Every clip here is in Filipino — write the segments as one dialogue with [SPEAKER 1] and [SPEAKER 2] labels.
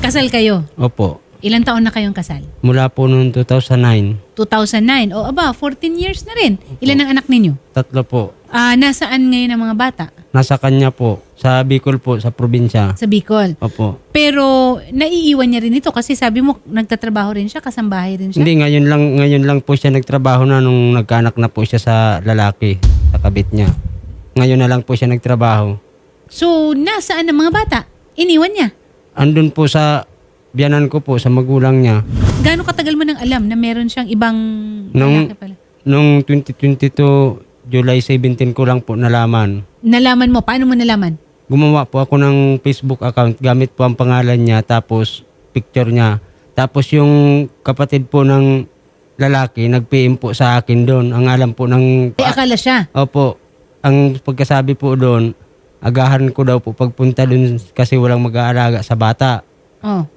[SPEAKER 1] Kasal kayo?
[SPEAKER 2] Opo.
[SPEAKER 1] Ilang taon na kayong kasal?
[SPEAKER 2] Mula po noong 2009.
[SPEAKER 1] 2009. O aba, 14 years na rin. Ilan ang anak ninyo?
[SPEAKER 2] 3 po.
[SPEAKER 1] Nasaan ngayon ang mga bata?
[SPEAKER 2] Nasa kanya po. Sa Bicol po, sa probinsya.
[SPEAKER 1] Sa Bicol.
[SPEAKER 2] Opo.
[SPEAKER 1] Pero naiiwan niya rin ito kasi sabi mo nagtatrabaho rin siya, kasambahay rin siya.
[SPEAKER 2] Hindi, ngayon lang po siya nagtrabaho na nung nagkaanak na po siya sa lalaki, sa kabit niya. Ngayon na lang po siya nagtrabaho.
[SPEAKER 1] So, nasaan ang mga bata? Iniwan niya.
[SPEAKER 2] Andun po sa biyanan ko po, sa magulang niya.
[SPEAKER 1] Gaano katagal mo nang alam na meron siyang ibang
[SPEAKER 2] Nung-
[SPEAKER 1] lalaki pala?
[SPEAKER 2] Noong 2022, July 17 ko lang po nalaman.
[SPEAKER 1] Nalaman mo? Paano mo nalaman?
[SPEAKER 2] Gumawa po ako ng Facebook account gamit po ang pangalan niya tapos picture niya. Tapos yung kapatid po ng lalaki nag-PM po sa akin doon. Ang alam po ng...
[SPEAKER 1] Akala siya.
[SPEAKER 2] Opo. Ang pagkasabi po doon, agahan ko daw po pagpunta doon kasi walang mag-aalaga sa bata.
[SPEAKER 1] Oh.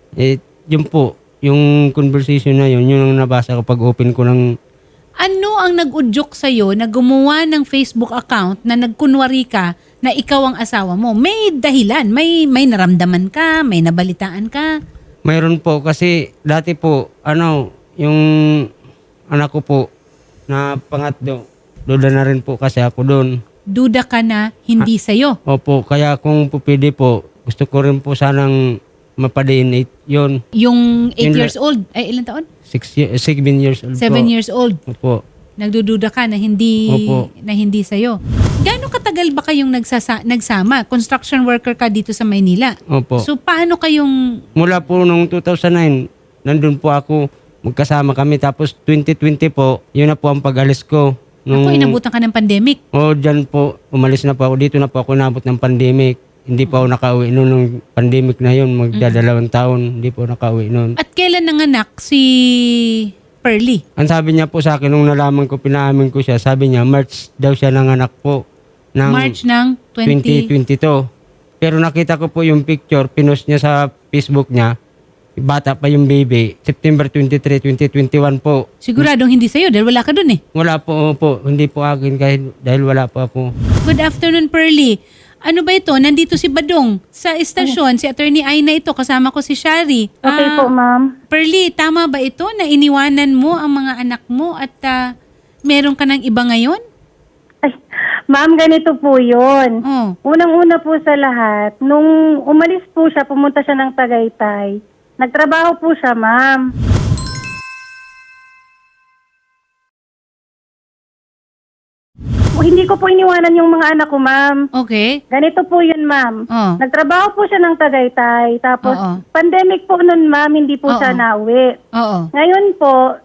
[SPEAKER 2] Yun po, yung conversation na yun ang nabasa ko pag open ko ng...
[SPEAKER 1] Ano ang nag-udyok sa'yo na gumawa ng Facebook account na nagkunwari ka na ikaw ang asawa mo? May dahilan, may naramdaman ka, may nabalitaan ka.
[SPEAKER 2] Mayroon po kasi dati po, yung anak ko po na pangatlo, duda na rin po kasi ako doon.
[SPEAKER 1] Duda ka na hindi sa'yo.
[SPEAKER 2] Opo, kaya kung po pwede po, gusto ko rin po sanang mapadiin yun.
[SPEAKER 1] Yung 8
[SPEAKER 2] Yun
[SPEAKER 1] years old, ay ilang taon?
[SPEAKER 2] 7 years old
[SPEAKER 1] 7
[SPEAKER 2] po.
[SPEAKER 1] years old.
[SPEAKER 2] Opo.
[SPEAKER 1] Nagdududa ka na hindi
[SPEAKER 2] Opo.
[SPEAKER 1] sa'yo. Gaano katagal ba kayong nagsama? Construction worker ka dito sa Maynila.
[SPEAKER 2] Opo.
[SPEAKER 1] So paano kayong
[SPEAKER 2] Mula po nung 2009, nandun po ako, magkasama kami. Tapos 2020 po, yun na po ang pag-alis ko.
[SPEAKER 1] ako inabutan ka ng pandemic?
[SPEAKER 2] Dyan po, umalis na po ako. Dito na po ako nabot ng pandemic. Hindi pa ako nakauwi noon nung pandemic na yun. Magdadalawang taon, hindi po nakauwi noon.
[SPEAKER 1] At kailan nanganak si Pearly?
[SPEAKER 2] Ang sabi niya po sa akin, nung nalaman ko, pinaamin ko siya, sabi niya, March daw siya nanganak po. Ng
[SPEAKER 1] March ng
[SPEAKER 2] 2022. Pero nakita ko po yung picture, pinost niya sa Facebook niya. Bata pa yung baby. September 23, 2021 po.
[SPEAKER 1] Siguradong hindi sa'yo dahil wala ka dun eh.
[SPEAKER 2] Wala po. Hindi po akin kahit dahil wala po ako.
[SPEAKER 1] Good afternoon, Pearly. Ano ba ito? Nandito si Badong sa estasyon. Si Attorney Aina ito. Kasama ko si Shari.
[SPEAKER 3] Okay po, ma'am.
[SPEAKER 1] Pearly, tama ba ito na iniwanan mo ang mga anak mo at meron ka ng iba ngayon?
[SPEAKER 3] Ay, ma'am, ganito po yun.
[SPEAKER 1] Oh.
[SPEAKER 3] Unang-una po sa lahat, nung umalis po siya, pumunta siya ng Tagaytay. Nagtrabaho po siya, ma'am. Hindi ko po iniwanan yung mga anak ko, ma'am.
[SPEAKER 1] Okay.
[SPEAKER 3] Ganito po yun, ma'am.
[SPEAKER 1] Oh.
[SPEAKER 3] Nagtrabaho po siya ng Tagaytay. Tapos,
[SPEAKER 1] Oo.
[SPEAKER 3] pandemic po nun, ma'am, hindi po
[SPEAKER 1] Oo.
[SPEAKER 3] siya nauwi.
[SPEAKER 1] Oo.
[SPEAKER 3] Ngayon po,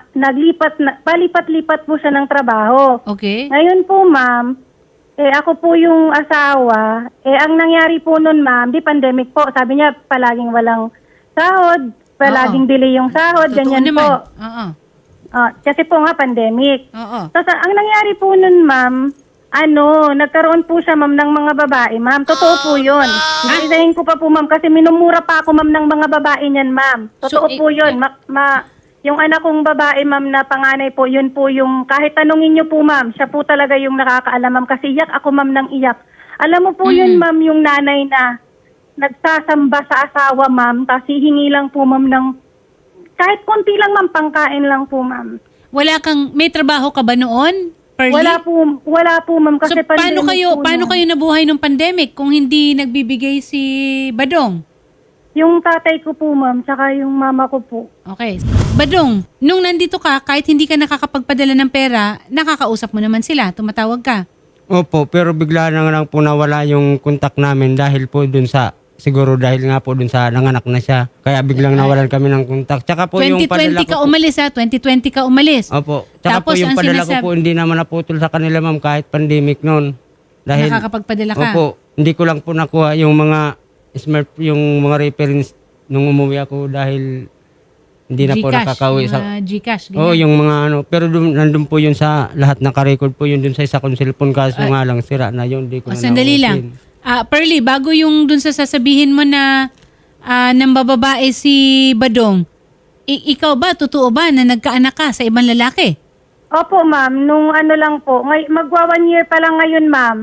[SPEAKER 3] palipat-lipat po siya ng trabaho.
[SPEAKER 1] Okay.
[SPEAKER 3] Ngayon po, ma'am, ako po yung asawa. Ang nangyari po nun, ma'am, di pandemic po. Sabi niya, palaging walang sahod, palaging delay yung sahod,
[SPEAKER 1] Totoo
[SPEAKER 3] ganyan
[SPEAKER 1] naman.
[SPEAKER 3] po.
[SPEAKER 1] Oo.
[SPEAKER 3] Kasi po nga, pandemic.
[SPEAKER 1] Oo.
[SPEAKER 3] Tapos, ang nangyari po nun, ma'am, nagkaroon po siya, ma'am, ng mga babae, ma'am. Totoo po yun. Isahin ko pa po, ma'am, kasi minumura pa ako, ma'am, ng mga babae niyan, ma'am. Totoo
[SPEAKER 1] So,
[SPEAKER 3] po yun. Yung anak kong babae, ma'am, na panganay po, yun po yung, kahit tanungin niyo po, ma'am, siya po talaga yung nakakaalam, ma'am, kasi iyak ako, ma'am, ng iyak. Alam mo po yun, ma'am, yung nanay na nagsasamba sa asawa, ma'am, tapos hihingi lang po, ma'am, ng kahit konti lang, ma'am, pangkain lang po, ma'am.
[SPEAKER 1] May trabaho ka ba noon, Pearly?
[SPEAKER 3] Wala po, ma'am, kasi
[SPEAKER 1] So, paano
[SPEAKER 3] pandemic po
[SPEAKER 1] kayo nabuhay nung pandemic kung hindi nagbibigay si Badong?
[SPEAKER 3] Yung tatay ko po, ma'am, saka yung mama ko po.
[SPEAKER 1] Okay. Badong, nung nandito ka, kahit hindi ka nakakapagpadala ng pera, nakakausap mo naman sila, tumatawag ka.
[SPEAKER 2] Opo, pero bigla na lang po nawala yung kontak namin dahil po dun sa, siguro dahil nga po dun sa nanganak na siya. Kaya biglang nawalan kami ng kontak. Tsaka po yung
[SPEAKER 1] 2020
[SPEAKER 2] padala
[SPEAKER 1] ka
[SPEAKER 2] ko po.
[SPEAKER 1] umalis ha? 2020 ka umalis.
[SPEAKER 2] Opo. Tsaka
[SPEAKER 1] Tapos
[SPEAKER 2] po yung
[SPEAKER 1] ang
[SPEAKER 2] padala ko
[SPEAKER 1] sinasab-
[SPEAKER 2] po hindi naman naputol sa kanila, ma'am, kahit pandemic noon. Dahil,
[SPEAKER 1] Nakakapagpadala ka.
[SPEAKER 2] opo, hindi ko lang po nakuha yung mga yung mga reference nung umuwi ako dahil hindi na po nakakauwi sa...
[SPEAKER 1] Gcash,
[SPEAKER 2] Oo,
[SPEAKER 1] ganyan.
[SPEAKER 2] yung mga pero nandun po yun sa lahat ng ka-record po yun dun sa isa kong cellphone kaso nga lang sira na yun. Di ko na
[SPEAKER 1] Sandali
[SPEAKER 2] na-open.
[SPEAKER 1] lang. Pearly, bago yung dun sa sasabihin mo na nang bababae si Badong, ikaw ba, totoo ba na nagkaanak ka sa ibang lalaki?
[SPEAKER 3] Opo, ma'am, nung lang po, magwa 1 year pa lang ngayon, ma'am.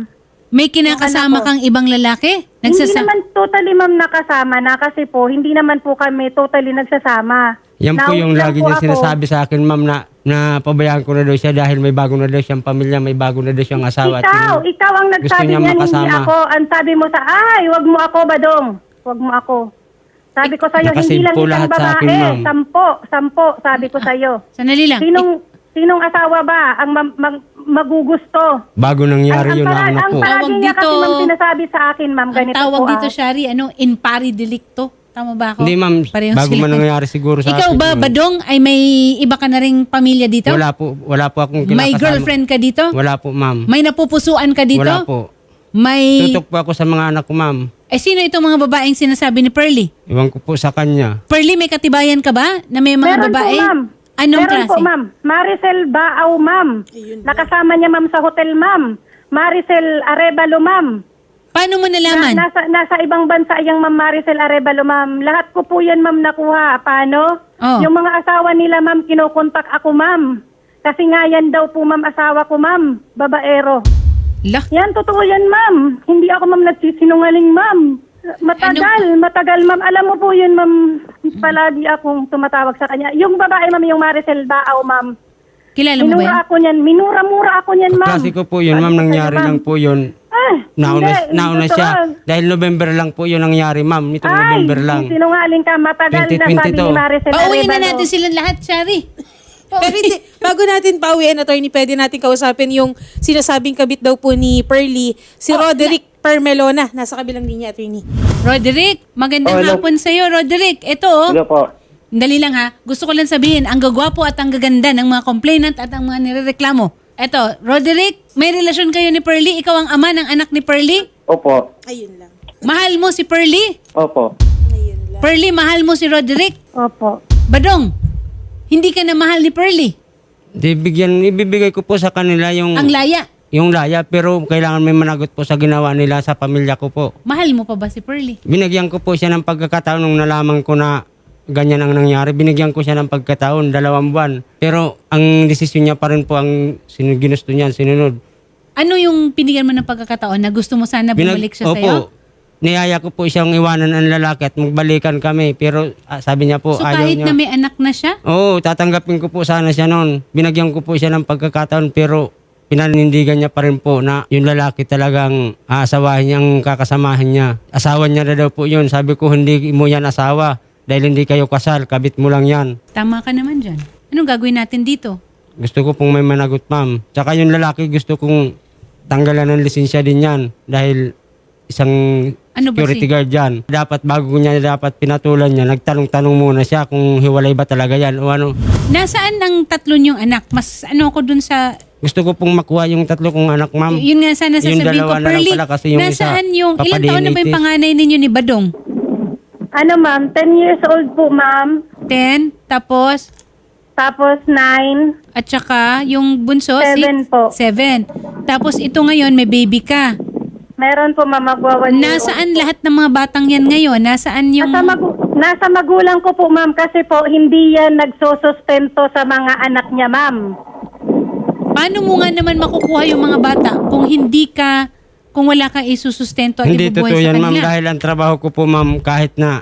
[SPEAKER 1] May kinakasama
[SPEAKER 3] Yung anak ko.
[SPEAKER 1] kang ibang lalaki?
[SPEAKER 3] Hindi naman totally ma'am nakasama na kasi po, hindi naman po kami totally nagsasama.
[SPEAKER 2] Yan po yung
[SPEAKER 3] Nauwi lang
[SPEAKER 2] lagi
[SPEAKER 3] po
[SPEAKER 2] niya
[SPEAKER 3] ako.
[SPEAKER 2] sinasabi sa akin, ma'am, na pabayaan ko na daw siya dahil may bago na daw siyang pamilya, may bago na daw siyang asawa. at yun,
[SPEAKER 3] Ikaw ang
[SPEAKER 2] gusto
[SPEAKER 3] nagsabi
[SPEAKER 2] niya
[SPEAKER 3] niyan, hindi
[SPEAKER 2] makasama.
[SPEAKER 3] ako. Ang sabi mo sa, wag mo ako, Badong. Wag mo ako. Sabi ko sa'yo,
[SPEAKER 2] Nakasave
[SPEAKER 3] hindi lang
[SPEAKER 2] po
[SPEAKER 3] isang
[SPEAKER 2] lahat sa
[SPEAKER 3] babae.
[SPEAKER 2] akin, ma'am.
[SPEAKER 3] Sampo, sabi ko sa'yo.
[SPEAKER 1] Sandali lang.
[SPEAKER 3] Sinong asawa ba ang magugusto?
[SPEAKER 2] Bago nangyari yun na anak
[SPEAKER 3] ang
[SPEAKER 2] ko.
[SPEAKER 3] palagi
[SPEAKER 1] Tawag
[SPEAKER 3] niya kasi
[SPEAKER 1] dito-
[SPEAKER 3] ma'am sinasabi sa akin, ma'am,
[SPEAKER 1] Ang
[SPEAKER 3] ganito
[SPEAKER 1] tawag
[SPEAKER 3] po.
[SPEAKER 1] dito, Shari, in pari delicto. Tama ba ako?
[SPEAKER 2] Hindi, ma'am,
[SPEAKER 1] Parehong
[SPEAKER 2] bago
[SPEAKER 1] sila.
[SPEAKER 2] man nangyari siguro sa
[SPEAKER 1] Ikaw
[SPEAKER 2] akin
[SPEAKER 1] ba,
[SPEAKER 2] yun.
[SPEAKER 1] Badong, ay may iba ka na ring pamilya dito?
[SPEAKER 2] Wala po akong kinakasama.
[SPEAKER 1] May girlfriend ka dito?
[SPEAKER 2] Wala po, ma'am.
[SPEAKER 1] May napupusuan ka dito?
[SPEAKER 2] Wala po.
[SPEAKER 1] May...
[SPEAKER 2] Tutok po ako sa mga anak ko, ma'am.
[SPEAKER 1] Sino itong mga babaeng sinasabi ni Pearly?
[SPEAKER 2] Iwan ko po sa kanya.
[SPEAKER 1] Pearly, may katibayan ka ba na may mga
[SPEAKER 3] Meron
[SPEAKER 1] babae?
[SPEAKER 3] po, ma'am.
[SPEAKER 1] Anong
[SPEAKER 3] Meron
[SPEAKER 1] klase?
[SPEAKER 3] po, ma'am. Maricel Baaw, ma'am. Nakasama niya, ma'am, sa hotel, ma'am. Maricel Arevalo, ma'am.
[SPEAKER 1] Paano mo nalaman?
[SPEAKER 3] Nasa ibang bansa yung ma'am Maricel Arevalo, ma'am. Lahat ko po yan, ma'am, nakuha. Paano?
[SPEAKER 1] Oh.
[SPEAKER 3] Yung mga asawa nila, ma'am, kinukontak ako, ma'am. Kasi nga yan daw po, ma'am, asawa ko, ma'am. Babaero.
[SPEAKER 1] Lah,
[SPEAKER 3] Yan, totoo yan, ma'am. Hindi ako, ma'am, nagsisinungaling, ma'am. Matagal, ma'am. Alam mo po yun, ma'am. Palagi akong tumatawag sa kanya. Yung babae, ma'am, yung Maricel Baaw, ma'am.
[SPEAKER 1] kilala mo ba yan?
[SPEAKER 3] Minura ako niyan. Minura-mura ako niyan, ma'am.
[SPEAKER 2] Klase ko po yun, ma'am.
[SPEAKER 3] Sabi ko
[SPEAKER 2] Nangyari
[SPEAKER 3] sa'yo,
[SPEAKER 2] lang
[SPEAKER 3] ma'am.
[SPEAKER 2] po yun. Nauna
[SPEAKER 3] Hindi,
[SPEAKER 2] siya.
[SPEAKER 3] totoo.
[SPEAKER 2] Dahil November lang po yun nangyari, ma'am. Itong November lang.
[SPEAKER 3] Sinungaling ka. Matagal na sabi
[SPEAKER 2] 2022.
[SPEAKER 3] ni Maricel
[SPEAKER 1] Pauwiin na
[SPEAKER 3] Arevalo.
[SPEAKER 1] natin silang lahat, Shari.
[SPEAKER 4] Pero hindi, bago natin pauwiin, attorney, pwede natin kausapin yung sinasabing kabit daw po ni Pearly, si Roderick Permelona. Nasa kabilang linya, attorney.
[SPEAKER 1] Roderick, magandang
[SPEAKER 5] hello.
[SPEAKER 1] hapon sa'yo, Roderick. Ito,
[SPEAKER 5] Hello po.
[SPEAKER 1] dali lang ha. Gusto ko lang sabihin, ang gagwapo at ang gaganda ng mga complainant at ang mga nirereklamo. Ito, Roderick, may relasyon kayo ni Pearly? Ikaw ang ama ng anak ni Pearly?
[SPEAKER 5] Opo.
[SPEAKER 4] Ayun lang.
[SPEAKER 1] Mahal mo si Pearly?
[SPEAKER 5] Opo.
[SPEAKER 4] Ayun lang.
[SPEAKER 1] Pearly, mahal mo si Roderick?
[SPEAKER 3] Opo.
[SPEAKER 1] Badong, hindi ka na mahal ni Pearly.
[SPEAKER 2] Ibibigay ko po sa kanila yung
[SPEAKER 1] Ang laya.
[SPEAKER 2] yung laya, pero kailangan may managot po sa ginawa nila sa pamilya ko po.
[SPEAKER 1] Mahal mo pa ba si Pearly?
[SPEAKER 2] Binigyan ko po siya ng pagkakataon nung nalaman ko na ganyan ang nangyari. Binigyan ko siya ng pagkataon, 2 buwan. Pero ang desisyon niya pa rin po ang ginusto niya, sinunod.
[SPEAKER 1] Ano yung pinigyan mo ng pagkakataon na gusto mo sana bumalik siya sa'yo?
[SPEAKER 2] Opo. Niyaya ko po siyang iwanan ang lalaki at magbalikan kami. Pero sabi niya po,
[SPEAKER 1] So
[SPEAKER 2] ayaw
[SPEAKER 1] kahit
[SPEAKER 2] niya.
[SPEAKER 1] na may anak na siya?
[SPEAKER 2] Oo, tatanggapin ko po sana siya noon. Binagyan ko po siya ng pagkakataon pero pinanindigan niya pa rin po na yung lalaki talagang aasawahin niyang kakasamahin niya. Asawa niya na daw po yun. Sabi ko, hindi mo yan asawa dahil hindi kayo kasal, kabit mo lang yan.
[SPEAKER 1] Tama ka naman dyan. Anong gagawin natin dito?
[SPEAKER 2] Gusto ko pong may managot, ma'am. Tsaka yung lalaki gusto kong tanggalan ng lisensya din yan dahil isang
[SPEAKER 1] Ano ba
[SPEAKER 2] security
[SPEAKER 1] si-
[SPEAKER 2] guard yan. Dapat bago niya dapat pinatulan niya, nagtanong-tanong muna siya kung hiwalay ba talaga yan o ano.
[SPEAKER 1] Nasaan ang tatlo niyong anak? Mas ano ko dun sa...
[SPEAKER 2] Gusto ko pong makuha yung 3 kong anak, ma'am.
[SPEAKER 1] Yun nga sana
[SPEAKER 2] Yung
[SPEAKER 1] sasabihin ko,
[SPEAKER 2] 2 na lang
[SPEAKER 1] Pearly,
[SPEAKER 2] pala kasi yung
[SPEAKER 1] nasaan
[SPEAKER 2] isa,
[SPEAKER 1] yung... Ilang taon na ba yung
[SPEAKER 2] papadinitis.
[SPEAKER 1] panganay ninyo ni Badong?
[SPEAKER 3] Ano, ma'am? 10 years old po, ma'am.
[SPEAKER 1] 10, tapos...
[SPEAKER 3] Tapos 9.
[SPEAKER 1] At saka yung bunso?
[SPEAKER 3] 7 po.
[SPEAKER 1] 7. Tapos ito ngayon, may baby ka.
[SPEAKER 3] Meron po, ma'am, magwa 1 year old.
[SPEAKER 1] Nasaan lahat ng mga batang yan ngayon? Nasaan yung...
[SPEAKER 3] Nasa magulang ko po, ma'am, kasi po hindi yan nagsusustento sa mga anak niya, ma'am.
[SPEAKER 1] Paano mo nga naman makukuha yung mga bata kung hindi ka... Kung wala kang isusustento at
[SPEAKER 2] Hindi
[SPEAKER 1] ibubuhay
[SPEAKER 2] totoo
[SPEAKER 1] sa
[SPEAKER 2] yan, ma'am.
[SPEAKER 1] kanila?
[SPEAKER 2] Dahil ang trabaho ko po, ma'am, kahit na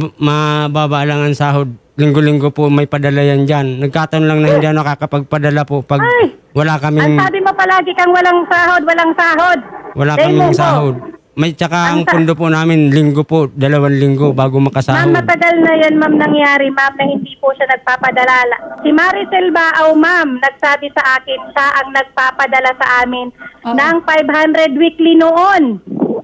[SPEAKER 2] mababa lang ang sahod, linggo-linggo po may padala yan dyan. Nagkataon lang na hindi ako nakakapagpadala po pag
[SPEAKER 3] Ay!
[SPEAKER 2] wala
[SPEAKER 3] Ang
[SPEAKER 2] kaming,
[SPEAKER 3] sabi mo palagi kang walang sahod, walang sahod.
[SPEAKER 2] wala
[SPEAKER 3] Dahil
[SPEAKER 2] kaming
[SPEAKER 3] mo po.
[SPEAKER 2] sahod. May tsaka ang
[SPEAKER 3] Ang
[SPEAKER 2] pundo po namin, linggo po, 2 linggo bago
[SPEAKER 3] Ma'am,
[SPEAKER 2] makasahod.
[SPEAKER 3] matagal na yan, ma'am, nangyari, ma'am, na hindi po siya nagpapadala. Si Maricel Baaw, ma'am, nagsabi sa akin, siya ang nagpapadala sa amin
[SPEAKER 1] Oo.
[SPEAKER 3] ng 500 weekly noon.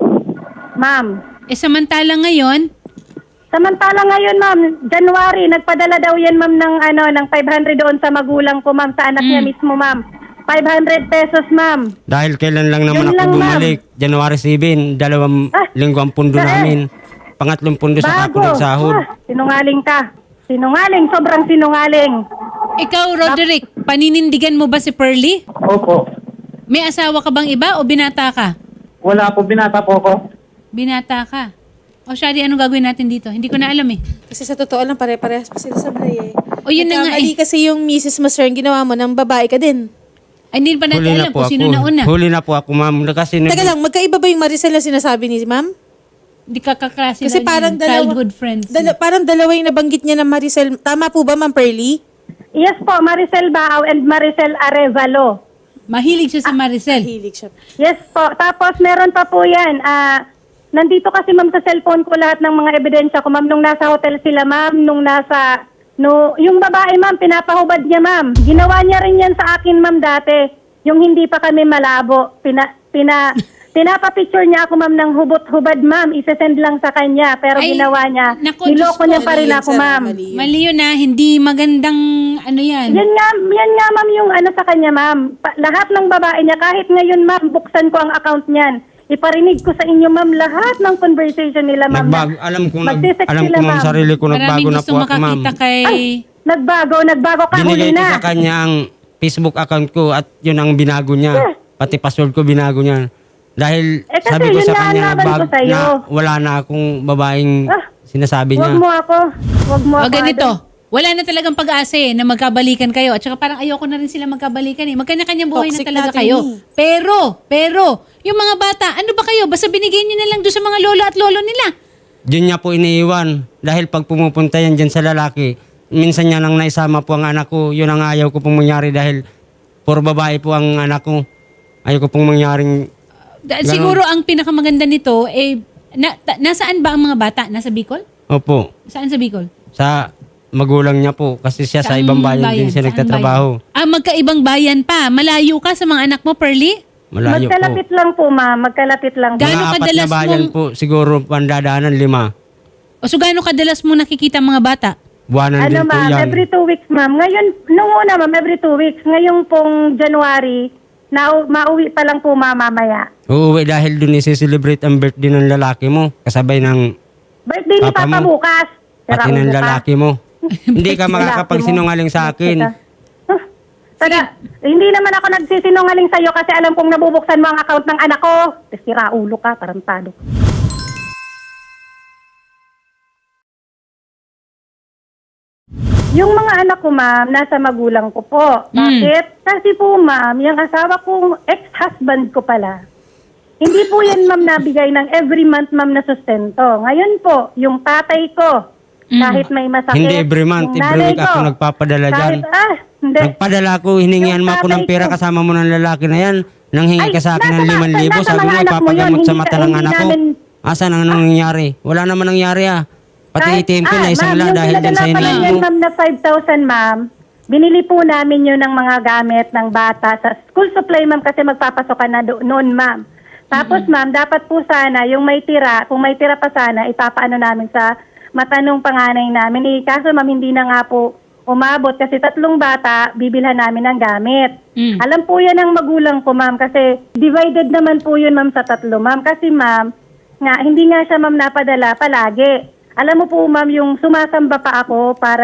[SPEAKER 3] Ma'am.
[SPEAKER 1] Samantala ngayon,
[SPEAKER 3] Samantala ngayon, ma'am, January, nagpadala daw yan, ma'am, ng 500 doon sa magulang ko, ma'am, sa anak niya mismo, ma'am. 500 pesos, ma'am.
[SPEAKER 2] Dahil kailan lang naman
[SPEAKER 3] Yun
[SPEAKER 2] ako
[SPEAKER 3] lang, ma'am.
[SPEAKER 2] bumalik, January 7, 2 linggo ang pundo namin. Pangatlong pundo sa ako nagsahod.
[SPEAKER 3] Sinungaling ka. Sinungaling, sobrang sinungaling.
[SPEAKER 1] ikaw, Roderick, paninindigan mo ba si Pearly?
[SPEAKER 5] Opo.
[SPEAKER 1] May asawa ka bang iba o binata ka?
[SPEAKER 5] Wala po, binata po ako.
[SPEAKER 1] Binata ka. O Shari, anong gagawin natin dito? Hindi ko na alam eh.
[SPEAKER 4] Kasi sa totoo lang, pare-parehas pa sila sa Bray eh.
[SPEAKER 1] O yun na nga
[SPEAKER 4] Nagkamali
[SPEAKER 1] eh.
[SPEAKER 4] kasi yung Mrs. Masern, ginawa mo ng babae ka din.
[SPEAKER 1] Ay, hindi pa natin
[SPEAKER 2] Huli na
[SPEAKER 1] alam
[SPEAKER 2] po
[SPEAKER 1] kung sino
[SPEAKER 2] ako.
[SPEAKER 1] nauna.
[SPEAKER 2] Huli na po ako, ma'am. Kasi
[SPEAKER 4] Teka lang, magkaiba ba yung Maricel na sinasabi ni ma'am?
[SPEAKER 1] Hindi ka kaklase
[SPEAKER 4] Kasi
[SPEAKER 1] na
[SPEAKER 4] parang
[SPEAKER 1] yun,
[SPEAKER 4] dalawa,
[SPEAKER 1] childhood friends.
[SPEAKER 4] parang dalawa yung nabanggit niya ng Maricel. Tama po ba, Ma'am Pearly?
[SPEAKER 3] Yes po, Maricel Bao and Maricel Arevalo.
[SPEAKER 1] Mahilig siya sa Maricel.
[SPEAKER 4] Hilig siya.
[SPEAKER 3] Yes po. Tapos meron pa po yan. Nandito kasi ma'am sa cellphone ko lahat ng mga ebidensya ko ma'am. Nung nasa hotel sila ma'am, yung babae ma'am, pinapahubad niya ma'am. Ginawa niya rin yan sa akin ma'am dati. Yung hindi pa kami malabo. Pinapapicture niya ako ma'am ng hubot-hubad ma'am. Isesend lang sa kanya. Pero
[SPEAKER 1] Ay,
[SPEAKER 3] ginawa niya.
[SPEAKER 1] naku,
[SPEAKER 3] Niloko
[SPEAKER 1] Diyos
[SPEAKER 3] niya
[SPEAKER 1] ko.
[SPEAKER 3] pa rin
[SPEAKER 4] Mali yun,
[SPEAKER 3] ako
[SPEAKER 4] sir.
[SPEAKER 3] ma'am.
[SPEAKER 4] Mali yun.
[SPEAKER 1] Mali yun na, hindi magandang ano yan.
[SPEAKER 3] Yan nga ma'am yung ano sa kanya ma'am. Lahat ng babae niya, kahit ngayon ma'am, buksan ko ang account niyan. Iparinig ko sa inyo ma'am lahat ng conversation nila ma'am.
[SPEAKER 2] alam ko
[SPEAKER 3] Magsisex
[SPEAKER 2] alam ko
[SPEAKER 3] sila,
[SPEAKER 2] ma'am,
[SPEAKER 3] ma'am.
[SPEAKER 2] sarili ko nagbago
[SPEAKER 1] Maraming
[SPEAKER 2] na
[SPEAKER 1] gusto
[SPEAKER 2] po ako, ma'am.
[SPEAKER 1] makakita kay...
[SPEAKER 3] Ay, nagbago ka, huli
[SPEAKER 2] Binigay ko
[SPEAKER 3] na.
[SPEAKER 2] sa kanya ang Facebook account ko at yun ang binago niya. Pati password ko binago niya. Dahil
[SPEAKER 3] kasi
[SPEAKER 2] sabi ko
[SPEAKER 3] yun
[SPEAKER 2] sa
[SPEAKER 3] nga ang
[SPEAKER 2] kanya
[SPEAKER 3] laban ko sa'yo.
[SPEAKER 2] na wala na akong babaeng sinasabi niya.
[SPEAKER 3] Huwag mo ako.
[SPEAKER 1] O ganito, wala na talagang pag-asa na magkabalikan kayo. At saka parang ayoko na rin sila magkabalikan Magkanya-kanyang buhay
[SPEAKER 4] Toxic
[SPEAKER 1] na talaga
[SPEAKER 4] natin
[SPEAKER 1] kayo.
[SPEAKER 4] eh.
[SPEAKER 1] Pero, yung mga bata, ano ba kayo? Basta binigay nyo na lang doon sa mga lolo at lolo nila.
[SPEAKER 2] Diyan niya po iniiwan. Dahil pag pumupunta yan dyan sa lalaki, minsan niya nang naisama po ang anak ko. Yun ang ayaw ko pong mangyari dahil puro babae po ang anak ko. Ayaw ko pong mangyaring... Ganon.
[SPEAKER 1] Siguro ang pinakamaganda nito, nasaan ba ang mga bata? Nasa Bicol?
[SPEAKER 2] Opo.
[SPEAKER 1] Saan sa Bicol?
[SPEAKER 2] Sa magulang niya po. Kasi siya sa
[SPEAKER 1] Saang
[SPEAKER 2] ibang bayan din siya
[SPEAKER 1] Saan
[SPEAKER 2] nagtatrabaho.
[SPEAKER 1] bayan? Magkaibang bayan pa. Malayo ka sa mga anak mo, Pearly?
[SPEAKER 2] Malayo po.
[SPEAKER 3] Magkalapit lang po ma'am. Magkalapit lang po.
[SPEAKER 1] Gaano
[SPEAKER 2] Mga apat
[SPEAKER 1] kadalas
[SPEAKER 2] na bayan
[SPEAKER 1] mong-
[SPEAKER 2] po, siguro pandadaanan 5.
[SPEAKER 1] O so gaano kadalas mo nakikita ang mga bata?
[SPEAKER 2] Buwanan
[SPEAKER 3] Ano
[SPEAKER 2] din po
[SPEAKER 3] ma'am,
[SPEAKER 2] yan.
[SPEAKER 3] every 2 weeks ma'am. Ngayon, nung una ma'am, every 2 weeks. Ngayong pong January, mauwi pa lang po mamamaya.
[SPEAKER 2] Uuwi dahil dun isi-celebrate ang birthday ng lalaki mo. Kasabay ng
[SPEAKER 3] Birthday ni
[SPEAKER 2] Papa
[SPEAKER 3] Papa
[SPEAKER 2] mo.
[SPEAKER 3] bukas. Sira
[SPEAKER 2] pati ng
[SPEAKER 3] ulo ka.
[SPEAKER 2] lalaki mo. Hindi ka makakapagsinungaling sa akin.
[SPEAKER 3] Hindi naman ako nagsisinungaling sa'yo kasi alam kong nabubuksan mo ang account ng anak ko. Sira ulo ka, tarantado. Yung mga anak ko, ma'am, nasa magulang ko po. Bakit? Kasi po, ma'am, yung asawa kong ex-husband ko pala, hindi po yan, ma'am, nabigay ng every month, ma'am, na sustento. Ngayon po, yung tatay ko, kahit may masakit,
[SPEAKER 2] Hindi every month,
[SPEAKER 3] yung
[SPEAKER 2] every
[SPEAKER 3] nanay
[SPEAKER 2] week ako
[SPEAKER 3] ko,
[SPEAKER 2] nagpapadala dyan.
[SPEAKER 3] Hindi.
[SPEAKER 2] Nagpadala ko, hiningihan
[SPEAKER 3] Yung
[SPEAKER 2] mo ako ng
[SPEAKER 3] tatay
[SPEAKER 2] pera
[SPEAKER 3] ko.
[SPEAKER 2] kasama mo ng lalaki na yan. Nang hingi ka sa akin ng
[SPEAKER 3] nasa
[SPEAKER 2] 5,000, sabi mo
[SPEAKER 3] mga anak mo yun,
[SPEAKER 2] ipapagamot sa
[SPEAKER 3] hindi
[SPEAKER 2] mata
[SPEAKER 3] ka-
[SPEAKER 2] ng
[SPEAKER 3] hindi
[SPEAKER 2] anak ko.
[SPEAKER 3] namin-
[SPEAKER 2] Asan ang nangyayari? Wala naman nangyari Pati
[SPEAKER 3] Kahit-
[SPEAKER 2] ATM ko na isang
[SPEAKER 3] ma'am,
[SPEAKER 2] lang
[SPEAKER 3] yung
[SPEAKER 2] dahil dyan sa
[SPEAKER 3] pinadala pa
[SPEAKER 2] hinihingi
[SPEAKER 3] lang yan,
[SPEAKER 2] mo.
[SPEAKER 3] ma'am, na 5,000, ma'am. Binili po namin yun ng mga gamit ng bata sa school supply, ma'am, kasi magpapasok ka na noon, ma'am. Tapos, ma'am, dapat po sana, yung may tira, kung may tira pa sana, ipapaano namin sa matanong panganay namin. Kaso, ma'am, hindi na nga po umabot kasi 3 bata, bibilhan namin ng gamit. Alam po yan ng magulang ko, ma'am, kasi divided naman po yun, ma'am, sa 3, ma'am. Kasi, ma'am, hindi nga siya, ma'am, napadala palagi. Alam mo po, ma'am, yung sumasamba pa ako para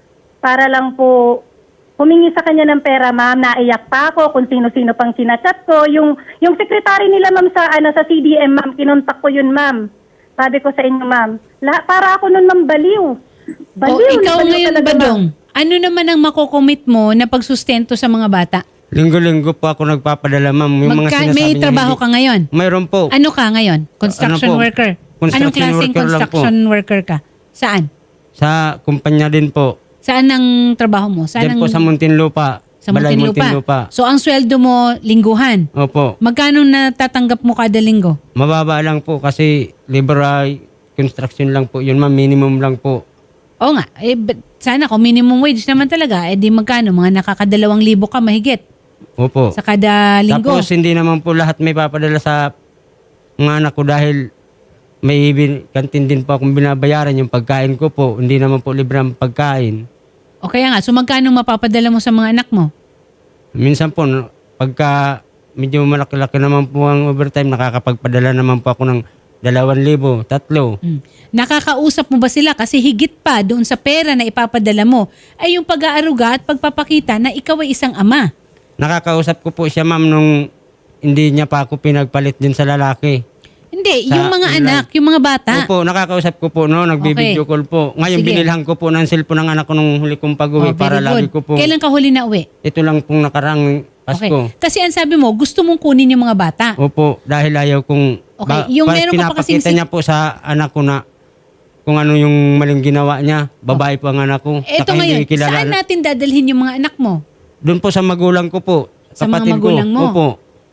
[SPEAKER 3] lang po humingi sa kanya ng pera, ma'am. Naiyak pa ako kung sino-sino pang sinachat ko. Yung secretary nila, ma'am, sa CDM, ma'am, kinontak ko yun, ma'am. Sabi ko sa inyo, ma'am, para ako nun, ma'am, baliw.
[SPEAKER 1] O ikaw ngayon,
[SPEAKER 3] talaga,
[SPEAKER 1] Badong, ano naman ang makocommit mo na pagsustento sa mga bata?
[SPEAKER 2] Linggo-linggo po ako nagpapadala, ma'am. Yung mga sinasabi
[SPEAKER 1] May
[SPEAKER 2] niya,
[SPEAKER 1] trabaho
[SPEAKER 2] hindi-
[SPEAKER 1] ka ngayon?
[SPEAKER 2] Mayroon po.
[SPEAKER 1] Ano ka ngayon? Construction
[SPEAKER 2] Ano po?
[SPEAKER 1] worker?
[SPEAKER 2] Construction
[SPEAKER 1] Anong klaseng
[SPEAKER 2] worker lang po.
[SPEAKER 1] construction worker ka? Saan?
[SPEAKER 2] Sa kumpanya din po.
[SPEAKER 1] Saan ang trabaho mo? Saan
[SPEAKER 2] Diyan
[SPEAKER 1] ang,
[SPEAKER 2] po sa Muntinlupa.
[SPEAKER 1] sa
[SPEAKER 2] Balay
[SPEAKER 1] Muntinlupa? So ang sweldo mo, lingguhan.
[SPEAKER 2] Opo.
[SPEAKER 1] Magkano natatanggap mo kada linggo?
[SPEAKER 2] Mababa lang po kasi liberal construction lang po. Yun, ma'am, minimum lang po.
[SPEAKER 1] Oo nga. Sana kung minimum wage naman talaga, di magkano? Mga nakaka2,000 ka mahigit
[SPEAKER 2] Opo.
[SPEAKER 1] sa kada linggo.
[SPEAKER 2] Tapos hindi naman po lahat may papadala sa mga anak ko dahil may kantin din po akong binabayaran yung pagkain ko po. Hindi naman po libre ang pagkain.
[SPEAKER 1] O kaya nga, so magkano mapapadala mo sa mga anak mo?
[SPEAKER 2] Minsan po, pagka medyo malaki-laki naman po ang overtime, nakakapagpadala naman po ako ng 2,000, 3.
[SPEAKER 1] Nakakausap mo ba sila? Kasi higit pa doon sa pera na ipapadala mo ay yung pag-aaruga at pagpapakita na ikaw ay isang ama.
[SPEAKER 2] Nakakausap ko po siya, ma'am, nung hindi niya pa ako pinagpalit din sa lalaki.
[SPEAKER 1] Hindi,
[SPEAKER 2] Sa
[SPEAKER 1] yung mga
[SPEAKER 2] online.
[SPEAKER 1] anak, yung mga bata.
[SPEAKER 2] Opo, nakakausap ko po, no? Nagbibideo
[SPEAKER 1] Okay.
[SPEAKER 2] call po. Ngayon,
[SPEAKER 1] Sige.
[SPEAKER 2] binilhan ko po ng cellphone ng anak ko nung huli kong pag-uwi
[SPEAKER 1] Oh,
[SPEAKER 2] para
[SPEAKER 1] very
[SPEAKER 2] lagi
[SPEAKER 1] good.
[SPEAKER 2] ko po.
[SPEAKER 1] Kailan ka huli na uwi?
[SPEAKER 2] Ito lang pong nakarang
[SPEAKER 1] Okay.
[SPEAKER 2] Pasko.
[SPEAKER 1] Kasi ang sabi mo, gusto mong kunin yung mga bata.
[SPEAKER 2] Opo, dahil ayaw kong...
[SPEAKER 1] Okay, yung meron ka pa kasing
[SPEAKER 2] pinapakita niya po sa anak ko na kung ano yung maling ginawa niya. Babae po ang anak ko.
[SPEAKER 1] Eto
[SPEAKER 2] Saka
[SPEAKER 1] ngayon,
[SPEAKER 2] hindi kilala.
[SPEAKER 1] saan natin dadalhin yung mga anak mo?
[SPEAKER 2] Doon po sa magulang ko po.
[SPEAKER 1] Sa mga
[SPEAKER 2] kapatid
[SPEAKER 1] magulang
[SPEAKER 2] ko.
[SPEAKER 1] mo?
[SPEAKER 2] Opo.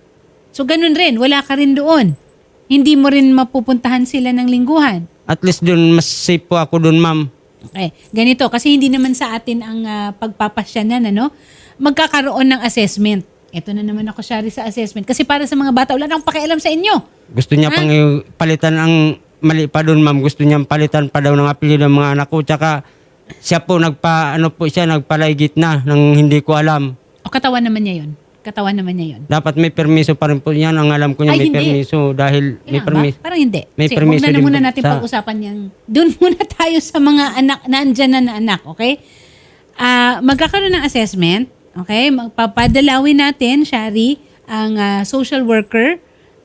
[SPEAKER 1] So ganun rin, wala ka rin doon. Hindi mo rin mapupuntahan sila ng lingguhan.
[SPEAKER 2] At least doon, mas safe po ako doon, ma'am.
[SPEAKER 1] Okay, ganito, kasi hindi naman sa atin ang pagpapasyanan, ano? Magkakaroon ng assessment. Ito na naman ako, Shari, sa assessment. Kasi para sa mga bata, wala nang pakialam sa inyo.
[SPEAKER 2] Gusto niya pang palitan ang mali pa doon, ma'am. Gusto niya palitan pa daw ng apelyido ng mga anak ko. Tsaka siya po nagpalaygit na nang hindi ko alam.
[SPEAKER 1] O katawan naman niya yun. Katawan naman niya yun.
[SPEAKER 2] Dapat may permiso pa rin po yan. Ang alam ko niya
[SPEAKER 1] Ay,
[SPEAKER 2] may
[SPEAKER 1] hindi.
[SPEAKER 2] permiso dahil may
[SPEAKER 1] Kailangan
[SPEAKER 2] permiso.
[SPEAKER 1] ba? Parang hindi.
[SPEAKER 2] May
[SPEAKER 1] Kasi
[SPEAKER 2] permiso
[SPEAKER 1] huwag na
[SPEAKER 2] din
[SPEAKER 1] muna
[SPEAKER 2] po
[SPEAKER 1] natin
[SPEAKER 2] sa-
[SPEAKER 1] pag-usapan yan. Doon muna tayo sa mga anak, naandyan na anak, okay? Magkakaroon ng assessment, okay? Magpapadalawin natin, Shari, ang social worker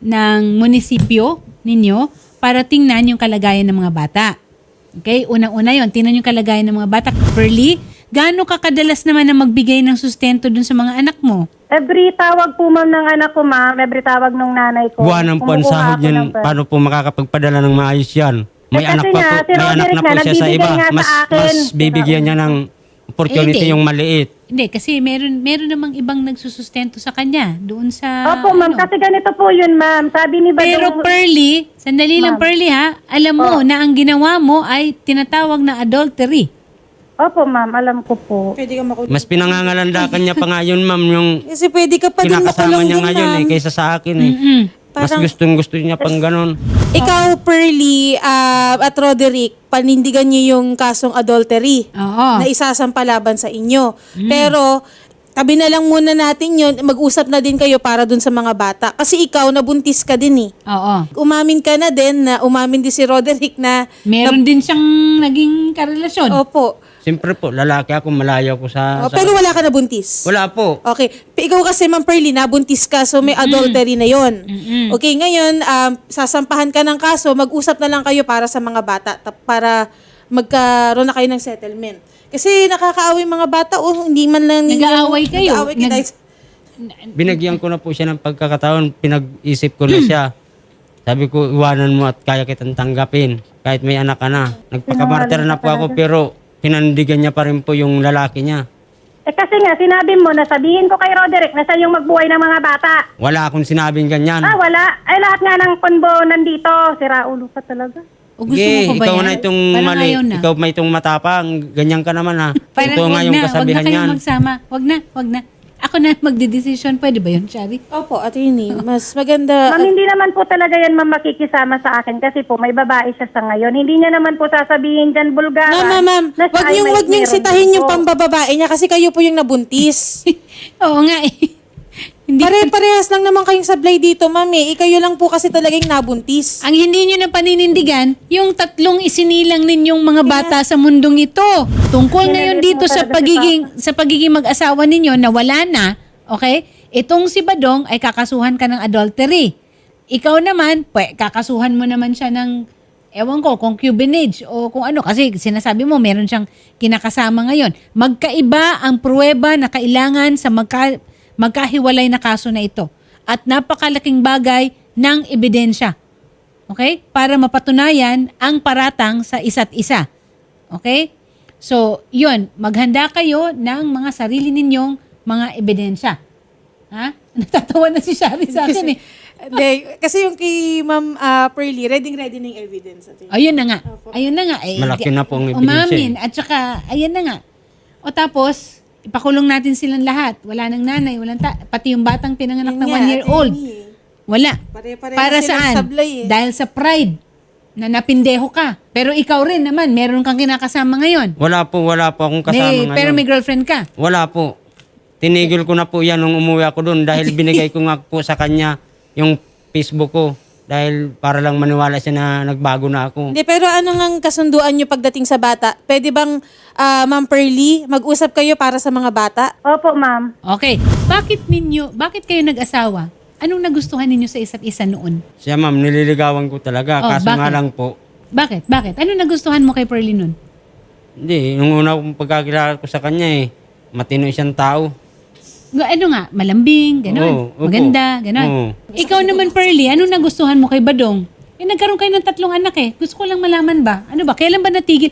[SPEAKER 1] ng munisipyo ninyo para tingnan yung kalagayan ng mga bata. Okay? Unang-una yon, tingnan yung kalagayan ng mga bata. Pearly, gaano ka kadalas naman na magbigay ng sustento dun sa mga anak mo?
[SPEAKER 3] Every tawag po ma'am ng anak ko ma'am, every tawag ng nanay ko.
[SPEAKER 2] Buwanan po ang
[SPEAKER 3] kumukuha
[SPEAKER 2] sahod
[SPEAKER 3] ako
[SPEAKER 2] yan.
[SPEAKER 3] ng pera.
[SPEAKER 2] Paano po makakapagpadala ng maayos yan? May
[SPEAKER 3] kasi
[SPEAKER 2] anak pa
[SPEAKER 3] nga,
[SPEAKER 2] po,
[SPEAKER 3] si
[SPEAKER 2] may anak
[SPEAKER 3] Roderick
[SPEAKER 2] na po
[SPEAKER 3] na,
[SPEAKER 2] siya sa
[SPEAKER 3] nagbibigay
[SPEAKER 2] iba.
[SPEAKER 3] nga sa
[SPEAKER 2] Mas
[SPEAKER 3] akin.
[SPEAKER 2] bibigyan niya ng opportunity
[SPEAKER 1] hindi.
[SPEAKER 2] yung maliit.
[SPEAKER 1] Hindi, kasi meron namang ibang nagsusustento sa kanya doon sa...
[SPEAKER 3] Opo ma'am,
[SPEAKER 1] ano.
[SPEAKER 3] kasi ganito po yun ma'am. Sabi ni
[SPEAKER 1] Pero
[SPEAKER 3] Badong...
[SPEAKER 1] Pearly, sandali lang
[SPEAKER 3] Ma'am.
[SPEAKER 1] Pearly ha, alam mo na ang ginawa mo ay tinatawag na adultery.
[SPEAKER 3] Opo ma'am, alam ko po.
[SPEAKER 4] Pwede ka makulong.
[SPEAKER 2] Mas pinangangalandakan niya pa nga yun, ma'am, yung
[SPEAKER 4] Kasi pwede ka pa din
[SPEAKER 2] kinakasama
[SPEAKER 4] makulong
[SPEAKER 2] niya
[SPEAKER 4] dun,
[SPEAKER 2] ngayon
[SPEAKER 4] ma'am.
[SPEAKER 2] kaysa sa akin eh. Mas
[SPEAKER 4] Parang-
[SPEAKER 2] gusto niya pang ganon.
[SPEAKER 4] Ikaw, Pearly, at Roderick, panindigan niyo yung kasong adultery
[SPEAKER 1] Oo.
[SPEAKER 4] na isasampa laban sa inyo. Pero, tabi na lang muna natin yun, mag-usap na din kayo para dun sa mga bata. Kasi ikaw, nabuntis ka din eh.
[SPEAKER 1] Oo.
[SPEAKER 4] Umamin ka na din, na umamin din si Roderick na,
[SPEAKER 1] Meron din siyang naging karelasyon.
[SPEAKER 4] opo.
[SPEAKER 2] Siyempre po, lalaki ako, malayo ako sa...
[SPEAKER 4] Pero wala ka nabuntis.
[SPEAKER 2] Wala po.
[SPEAKER 4] Okay. Ikaw kasi, Ma'am Pearly, nabuntis ka, so may adultery na yon. Okay, ngayon, sasampahan ka ng kaso, mag-usap na lang kayo para sa mga bata, para magkaroon na kayo ng settlement. Kasi nakakaaway mga bata, hindi man lang
[SPEAKER 1] Nag-aaway kayo.
[SPEAKER 4] Nag-aaway kayo dahil
[SPEAKER 2] Binagyan ko na po siya ng pagkakataon, pinag-isip ko na siya. Sabi ko, iwanan mo at kaya kitang tanggapin. Kahit may anak ka na. Nagpakamartir na po ako, pero pinandigan niya pa rin po yung lalaki niya.
[SPEAKER 3] Eh kasi nga, sinabi mo na sabihin ko kay Roderick na siya yung magbuhay ng mga bata.
[SPEAKER 2] Wala akong sinabing ganyan.
[SPEAKER 3] Wala. Ay, lahat nga ng konbo nandito. Sira ulo ka talaga.
[SPEAKER 1] O gusto
[SPEAKER 2] Sige,
[SPEAKER 1] mo pa ba
[SPEAKER 2] ikaw
[SPEAKER 1] yan?
[SPEAKER 2] na itong
[SPEAKER 1] Parang
[SPEAKER 2] mali.
[SPEAKER 1] ayaw na.
[SPEAKER 2] Ikaw may itong matapang. Ganyan ka naman ha.
[SPEAKER 1] Parang
[SPEAKER 2] Ito nga
[SPEAKER 1] wag
[SPEAKER 2] yung
[SPEAKER 1] na,
[SPEAKER 2] kasabihan
[SPEAKER 1] wag na
[SPEAKER 2] niyan.
[SPEAKER 1] kayo magsama. Wag na. Ako na magdedesisyon. Pwede ba yun, Shari?
[SPEAKER 4] Opo, attorney, mas maganda.
[SPEAKER 3] Ma'am, hindi naman po talaga yan ma'am makikisama sa akin kasi po may babae siya sa ngayon. Hindi niya naman po sasabihin dyan bulgaran.
[SPEAKER 4] Ma'am,
[SPEAKER 3] na siya ay may
[SPEAKER 4] wag niyong
[SPEAKER 3] meron
[SPEAKER 4] sitahin yung
[SPEAKER 3] po.
[SPEAKER 4] pambababae niya kasi kayo po yung nabuntis.
[SPEAKER 1] Oo nga eh. Hindi
[SPEAKER 4] Pare-parehas lang naman kayong sablay dito, ma'am eh. Ikayo lang po kasi talagang nabuntis.
[SPEAKER 1] Ang hindi nyo na paninindigan, yung tatlong isinilang ninyong mga bata sa mundong ito. Tungkol ngayon dito sa pagiging mag-asawa ninyo na wala na, okay? Itong si Badong ay kakasuhan ka ng adultery. Ikaw naman, kakasuhan mo naman siya ng, ewan ko, concubinage o kung ano. Kasi sinasabi mo, meron siyang kinakasama ngayon. Magkaiba ang pruweba na kailangan sa magkahiwalay na kaso na ito. At napakalaking bagay ng ebidensya. Okay? Para mapatunayan ang paratang sa isa't isa. Okay? So, yun. Maghanda kayo ng mga sarili ninyong mga ebidensya. Ha? Natatawa na si Shari sa akin eh.
[SPEAKER 4] Hindi, kasi yung kay Ma'am Pearly, ready na yung evidence.
[SPEAKER 1] Ayun na nga. Ayun na nga. Eh,
[SPEAKER 2] Malaki na po ang ebidensya
[SPEAKER 1] umamin. At saka, ayun na nga. O tapos, ipakulong natin silang lahat. Wala nang nanay, pati yung batang pinanganak na 1-year-old. Wala.
[SPEAKER 4] Pare-pareho
[SPEAKER 1] Para
[SPEAKER 4] silang
[SPEAKER 1] saan?
[SPEAKER 4] sablay eh.
[SPEAKER 1] Dahil sa pride na napindeho ka. Pero ikaw rin naman, meron kang kinakasama ngayon.
[SPEAKER 2] Wala po akong kasama ngayon.
[SPEAKER 1] Pero may girlfriend ka.
[SPEAKER 2] Wala po. Tinigil ko na po yan nung umuwi ako doon dahil binigay ko nga po sa kanya yung Facebook ko. Dahil para lang maniwala siya na nagbago na ako.
[SPEAKER 4] Hindi, pero ano nga kasunduan nyo pagdating sa bata? Pwede bang, Ma'am Pearly, mag-usap kayo para sa mga bata?
[SPEAKER 3] Opo ma'am.
[SPEAKER 1] Okay. Bakit kayo nag-asawa? Anong nagustuhan ninyo sa isa't isa noon?
[SPEAKER 2] Siya ma'am, nililigawan ko talaga.
[SPEAKER 1] Oh,
[SPEAKER 2] Kaso nga
[SPEAKER 1] bakit?
[SPEAKER 2] lang po,
[SPEAKER 1] Bakit? Anong nagustuhan mo kay Pearly noon?
[SPEAKER 2] hindi, nung una kong pagkakilala ko sa kanya matino siyang tao.
[SPEAKER 1] ano nga, malambing, gano'n.
[SPEAKER 2] Oo, opo.
[SPEAKER 1] Maganda, gano'n.
[SPEAKER 2] Oo.
[SPEAKER 1] Ikaw naman, Pearly, ano nagustuhan mo kay Badong? Nagkaroon kayo ng 3 anak eh. Gusto ko lang malaman ba? Ano ba? Kailan ba natigil?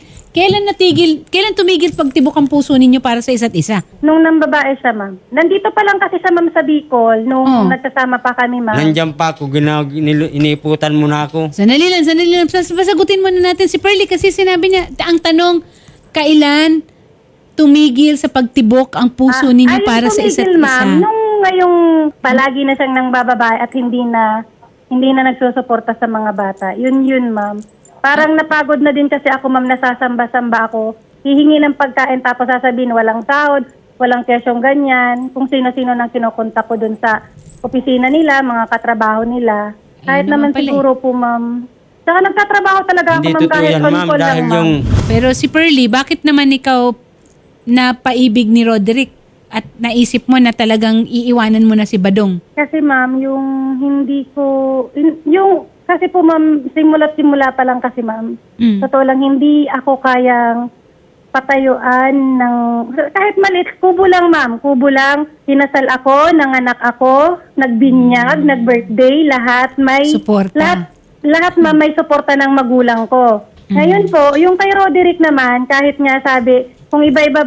[SPEAKER 1] Kailan tumigil pagtibok ang puso ninyo para sa isa't isa?
[SPEAKER 3] Nung nang babae siya, ma'am. Nandito pa lang kasi sa ma'am sa Bicol, nung nagkasama pa kami, ma'am.
[SPEAKER 2] Nandiyan pa ako, iniiputan mo na ako.
[SPEAKER 1] Sandali lang. Pasagutin muna natin si Pearly kasi sinabi niya, ang tanong, kailan tumigil sa pagtibok ang puso ninyo para sa isa't
[SPEAKER 3] tumigil, ma'am,
[SPEAKER 1] isa?
[SPEAKER 3] nung ngayong palagi na siyang nang bababae at hindi na nagsusuporta sa mga bata. Yun, ma'am. Parang napagod na din kasi ako, ma'am, nasasamba-samba ako. Hihingi ng pagkain tapos sasabihin walang sahod, walang kesyong ganyan. Kung sino-sino nang kinukontak ko dun sa opisina nila, mga katrabaho nila. Kahit
[SPEAKER 1] Ayun
[SPEAKER 3] naman
[SPEAKER 1] naman pala
[SPEAKER 3] siguro po, ma'am. Saka nagtatrabaho talaga ako,
[SPEAKER 2] Hindi
[SPEAKER 3] ma'am,
[SPEAKER 2] totoo
[SPEAKER 3] kahit
[SPEAKER 2] yan, ma'am,
[SPEAKER 3] on-call lang,
[SPEAKER 2] dahil
[SPEAKER 3] ma'am.
[SPEAKER 2] yung
[SPEAKER 1] Pero si Pearly, bakit naman ikaw napaibig ni Roderick at naisip mo na talagang iiwanan mo na si Badong?
[SPEAKER 3] Kasi ma'am, yung hindi ko, kasi po ma'am, simula pa lang kasi ma'am, totoo lang, hindi ako kayang patayuan ng, kahit maliit, kubo lang ma'am, hinasal ako, nanganak ako, nagbinyag, nag-birthday, lahat may,
[SPEAKER 1] Suporta.
[SPEAKER 3] lahat ma'am may suporta ng magulang ko. Ngayon po, yung kay Roderick naman, kahit nga sabi, kung iba-iba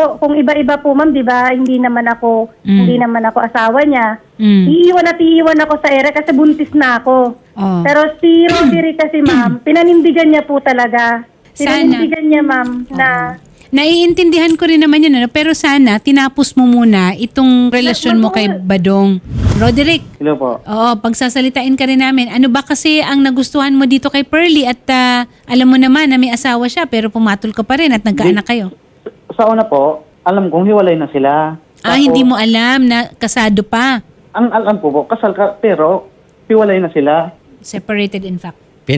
[SPEAKER 3] po ma'am, 'di ba? Hindi naman ako asawa niya. Iiwan ako sa ere kasi buntis na ako.
[SPEAKER 1] Oh.
[SPEAKER 3] Pero si Roderick kasi ma'am, pinanindigan niya po talaga. Pinanindigan niya ma'am na
[SPEAKER 1] Naiintindihan ko rin naman yun, ano? Pero sana, tinapos mo muna itong relasyon mo kay Badong. Roderick,
[SPEAKER 5] Hello po.
[SPEAKER 1] oo, pagsasalitain ka rin namin. Ano ba kasi ang nagustuhan mo dito kay Pearly at alam mo naman na may asawa siya pero pumatol ka pa rin at nagkaanak kayo?
[SPEAKER 5] Sa una po, alam kong hiwalay na sila.
[SPEAKER 1] Hindi mo alam na kasado pa.
[SPEAKER 5] Ang alam ko po, kasal ka, pero hiwalay na sila.
[SPEAKER 1] Separated in fact.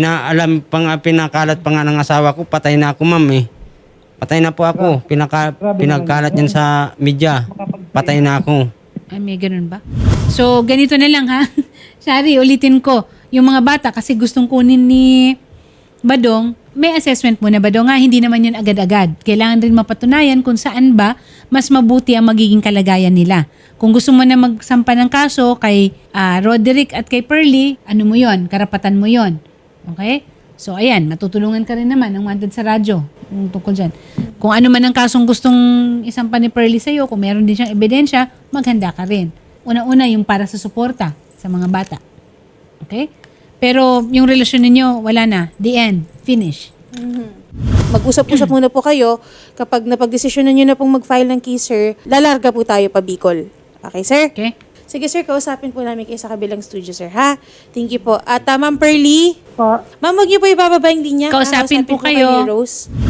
[SPEAKER 2] pinakalat pa nga ng asawa ko, patay na ako, ma'am eh. Patay na po ako. Pinagkalat yan sa media. Patay na ako.
[SPEAKER 1] Ay, may ganun ba? So, ganito na lang ha. Sorry, ulitin ko. Yung mga bata, kasi gustong kunin ni Badong, may assessment muna Badong nga, hindi naman yun agad-agad. Kailangan rin mapatunayan kung saan ba mas mabuti ang magiging kalagayan nila. Kung gusto mo na magsampa ng kaso kay Roderick at kay Pearly, ano mo yon? Karapatan mo yon. Okay? So, ayan, matutulungan ka rin naman ng Wanted sa radyo tungkol dyan. Kung ano man ang kasong gustong isampa ni Pearly sa'yo, kung meron din siyang ebidensya, maghanda ka rin. Una-una yung para sa suporta sa mga bata. Okay? Pero yung relasyon ninyo, wala na. The end. Finish.
[SPEAKER 4] Mag-usap-usap muna po kayo. Kapag napag-desisyonan nyo na pong mag-file ng case, sir, lalarga po tayo pa Bicol. Okay, sir?
[SPEAKER 1] Okay?
[SPEAKER 4] Sige, sir, kausapin po namin kayo sa kabilang studio, sir, ha? Thank you po. At Ma'am Pearly,
[SPEAKER 3] po.
[SPEAKER 4] ma'am, huwag niyo po ibababa yung linya. ha?
[SPEAKER 1] Kausapin po kayo.
[SPEAKER 4] ni Rose.